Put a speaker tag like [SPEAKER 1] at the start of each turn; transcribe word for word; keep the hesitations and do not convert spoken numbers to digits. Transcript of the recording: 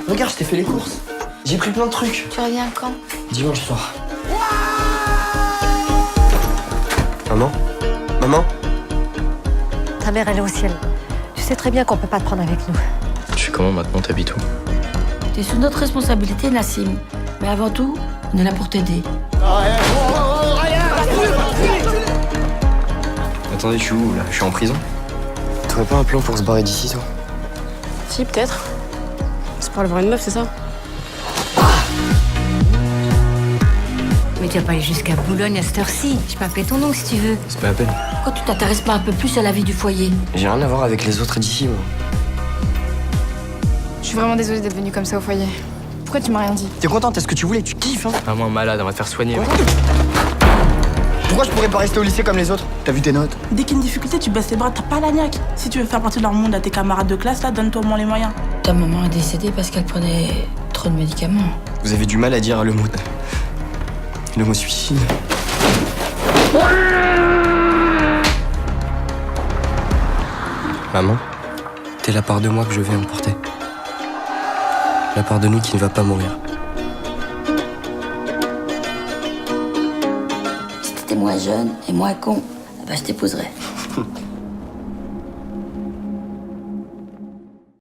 [SPEAKER 1] Regarde, je t'ai fait les courses. J'ai pris plein de trucs.
[SPEAKER 2] Tu reviens quand?
[SPEAKER 1] Dimanche soir. Maman? Maman?
[SPEAKER 3] Ta mère, elle est au ciel. Tu sais très bien qu'on peut pas te prendre avec nous.
[SPEAKER 1] Tu fais comment maintenant? T'habites où?
[SPEAKER 2] T'es sous notre responsabilité, Nassim. Mais avant tout, on est là pour t'aider.
[SPEAKER 1] Attendez, je suis où là? Je suis en prison? T'aurais pas un plan pour se barrer d'ici, toi?
[SPEAKER 4] Si, peut-être. C'est pour aller voir une meuf, c'est ça?
[SPEAKER 3] Mais tu vas pas aller jusqu'à Boulogne à cette heure-ci. Je peux appeler ton nom si tu veux.
[SPEAKER 1] C'est pas la peine.
[SPEAKER 2] Pourquoi tu t'intéresses pas un peu plus à la vie du foyer?
[SPEAKER 1] J'ai rien à voir avec les autres d'ici, moi.
[SPEAKER 5] Je suis vraiment désolée d'être venue comme ça au foyer. Pourquoi tu m'as rien dit?
[SPEAKER 1] T'es contente? Est-ce que tu voulais? Tu kiffes, hein?
[SPEAKER 6] Vraiment malade, on va te faire soigner.
[SPEAKER 1] Pourquoi je pourrais pas rester au lycée comme les autres? T'as vu tes notes?
[SPEAKER 7] Dès qu'il y a une difficulté, tu baisses les bras, t'as pas la niaque. Si tu veux faire partie de leur monde à tes camarades de classe, là, donne-toi au moins les moyens.
[SPEAKER 2] Ta maman est décédée parce qu'elle prenait trop de médicaments.
[SPEAKER 1] Vous avez du mal à dire le mot... le mot suicide. Maman, t'es la part de moi que je vais emporter. La part de nous qui ne va pas mourir.
[SPEAKER 2] Si t'étais moins jeune et moins con, eh ben je t'épouserais.